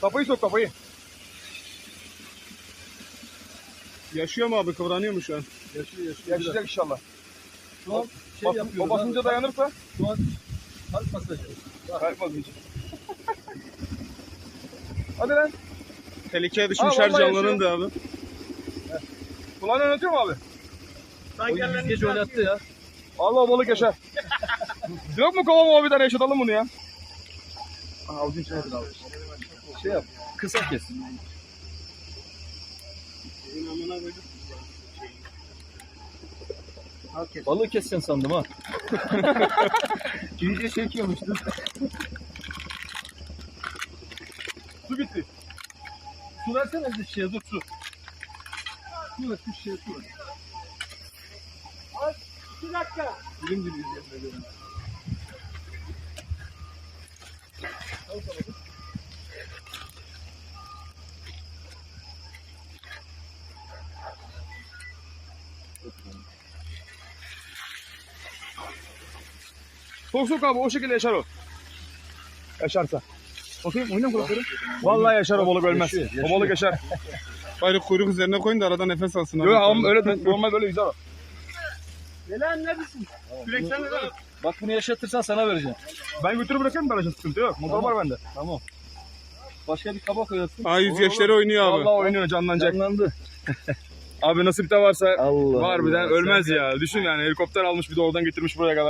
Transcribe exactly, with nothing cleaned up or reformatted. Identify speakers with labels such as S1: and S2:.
S1: Kafayı sok kafayı.
S2: Yaşıyor mu abi? Kıvranıyor mu şu an?
S3: Yaşıyor yaşıyor.
S1: Yaşayacak inşallah.
S3: Şu an şey
S1: Bas,
S3: yapıyoruz.
S1: o basınca
S3: abi.
S1: dayanırsa
S3: Şu an kalp masajı.
S1: kalkmaz hiç. Hadi lan.
S2: Tehlikeye düşmüş
S1: Aa,
S2: her
S1: vallahi
S2: canlının da abi.
S1: Kulağını oynatıyor mu abi?
S3: O yüz gece oynattı ya.
S1: Allah balık yaşar. Yok mu kova mova bir tane yaşatalım bunu ya? Aa, avucun içine yapın abi.
S3: Şey yap. Kısa kes. Balığı keseceksin sandım ha.
S1: İyice çekiyormuştu. Su bitti.
S3: Su versene bir şişeye dur su. Su ver bir şişeye su ver.
S1: Bir dakika.
S3: Dilim dilim üzerine göre.
S1: Sok sok abi o şekilde yaşar o. Yaşarsa. Bakayım oyna kulakları. Vallahi yaşar o balık ölmez.
S3: Yaşıyor, yaşıyor.
S1: O balık yaşar.
S2: Bari kuyruk üzerine koyun da arada nefes alsın abi.
S1: Yok ama öyle normal böyle güzel o.
S2: Neler neredesin? Kürekten de ver.
S3: Bak bunu yaşatırsan sana vereceğim.
S1: Ben götürüp bırakırım garajın sıkıntı yok. Motor
S3: Tamam.
S1: var bende.
S3: Tamam. Başka bir kaba koyarsın.
S2: Aa yüzgeçleri oynuyor abi.
S1: Vallahi oynuyor canlanacak.
S3: Canlandı.
S1: Abi nasipte varsa
S3: Allah
S1: var bir
S3: Allah,
S1: de ölmez
S3: sen de-
S1: ya. Düşün yani helikopter almış bir de oradan getirmiş buraya kadar.